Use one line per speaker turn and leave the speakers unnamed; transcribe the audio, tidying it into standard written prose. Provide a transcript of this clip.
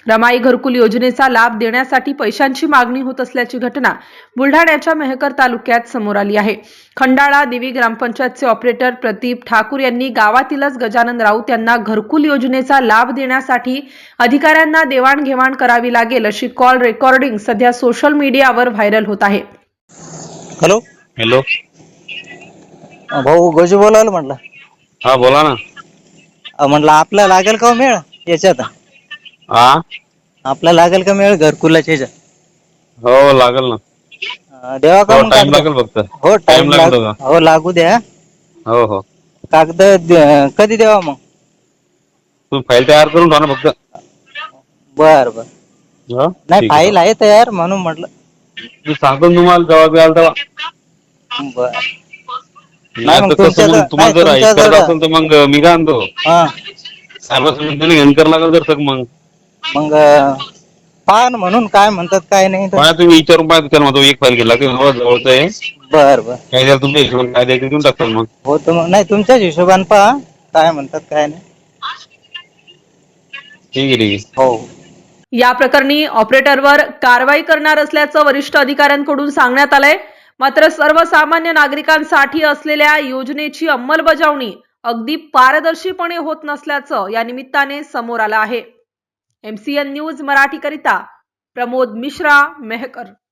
रमाई घरकुल योजनेचा लाभ देण्यासाठी पैशांची मागणी होत असल्याची घटना बुलढाण्याच्या मेहकर तालुक्यात समोर आली आहे। खंडाळा देवी ग्रामपंचायतचे ऑपरेटर प्रदीप ठाकूर यांनी गावातीलच गजानन राऊत यांना घरकुल योजनेचा लाभ देण्यासाठी अधिकाऱ्यांना देवाणघेवाण करावी लागेल अशी कॉल रेकॉर्डिंग सध्या सोशल मीडियावर व्हायरल होत आहे।
हॅलो
हॅलो,
भाऊ गजू बोलायला म्हटलं.
हा बोला ना.
म्हटलं आपल्याला लागेल का मेळ याच्यात?
हा,
आपल्याला लागेल का मेळ घरकुलाच्या याच्यात?
हो लागेल ना.
देवा का
हो
मग
टाइम
कागद?
लागेल फक्त.
हो
टाइम
टाइम
लागेल का?
हो लागू द्या.
हो हो,
कागद कधी देवा मग?
तुम्ही फाईल तयार करून ठेवा ना फक्त.
बर बर.
हो
नाही
ठीक आहे.
फाईल आहे तयार म्हणून म्हटलं.
मी सांगतो ना तुम्हाला जेव्हा द्याल तेव्हा.
बर.
नाही
मग
तर कसं
तुमच्या
मग तुम्हाला जर ऐक
तुमच्याजवळ
करत असेल तर मग मी काय आणतो
हा
साहेबांनी घेऊन करावं लागेल तर मग.
मग पहा ना म्हणून काय म्हणतात काय नाही तर.
पाहा तुम्ही विचारून पाहा त्याला म्हणतो एक फाईल केला की जवळचं आहे
बर बर.
काय द्याल तुमच्या हिशोबाने काय द्यायचं देऊन टाकतो मग.
हो तर मग नाही तुमच्याच हिशोबाने पहा काय म्हणतात काय नाही.
ठीक आहे ठीक आहे.
हो.
या प्रकरणी ऑपरेटरवर कारवाई करणार असल्याचं वरिष्ठ अधिकाऱ्यांकडून सांगण्यात आलंय। मात्र सर्वसामान्य नागरिकांसाठी असलेल्या योजनेची अंमलबजावणी अगदी पारदर्शीपणे होत नसल्याचं या निमित्ताने समोर आलं आहे। MCN न्यूज मराठीकरिता प्रमोद मिश्रा, मेहकर।